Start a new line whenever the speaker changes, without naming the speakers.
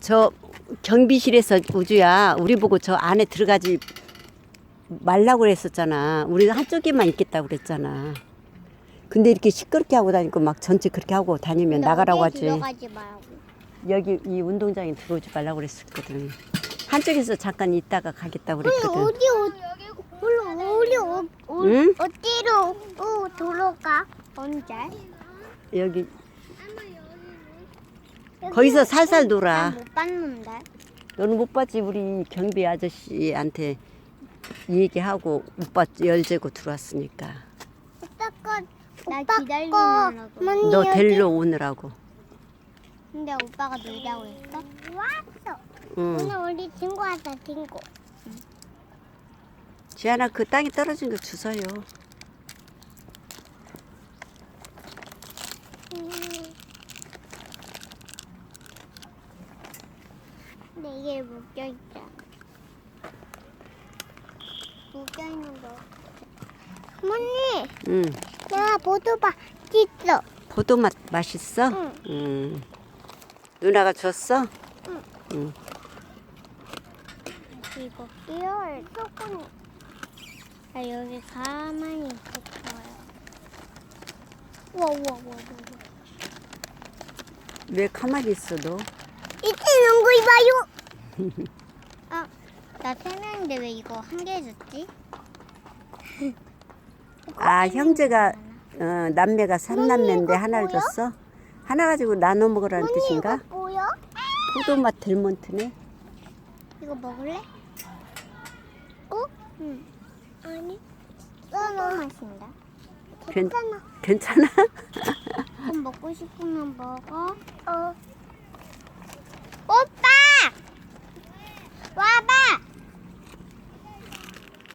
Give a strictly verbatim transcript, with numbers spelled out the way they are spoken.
저 경비실에서 우주야 우리 보고 저 안에 들어가지 말라고 그랬었잖아. 우리가 한쪽에만 있겠다고 그랬잖아. 근데 이렇게 시끄럽게 하고 다니고 막 전체 그렇게 하고 다니면 나가라고 하지.
들어가지 말고.
여기 이 운동장에 들어오지 말라고 그랬었거든. 한쪽에서 잠깐 있다가 가겠다고
우리
그랬거든.
어디 어, 우리 우리 어, 어,
응?
어디로 어, 돌아가? 언제?
여기 거기서 살살 놀아.
못 봤는데.
너는 못 봤지. 우리 경비 아저씨한테 얘기하고 오빠 열재고 들어왔으니까.
오빠 거, 나 기다리느라고.
너 데리러 오느라고.
근데 오빠가 놀자고 했어? 왔어.
응.
오늘 우리 친구 왔다 친구.
지안아 그 땅에 떨어진 거 주워요.
음. 근데 이게 묶여 있잖아. 묶여 있는 거. 어머니,
응.
나 보도밥 있어.
포도맛 맛있어?
응.
응. 누나가 줬어?
응.
응.
이거 끼워야 조금. 나 여기 가만히 있을 거야. 우와 우와 우와 우와.
왜 가만히 있어 너?
이때 농구 입어요. 아, 나 세 명인데 왜 이거 한 개 줬지?
아 형제가 어, 남매가 삼남매인데
이거
하나를
뭐야?
줬어? 하나 가지고 나눠 먹으라는
언니
뜻인가?
이거 뭐야?
포도맛 델몬트네.
이거 먹을래? 어? 응. 아니. 써너 맛인다.
괜-
괜찮아.
괜찮아?
좀 먹고 싶으면 먹어. 어.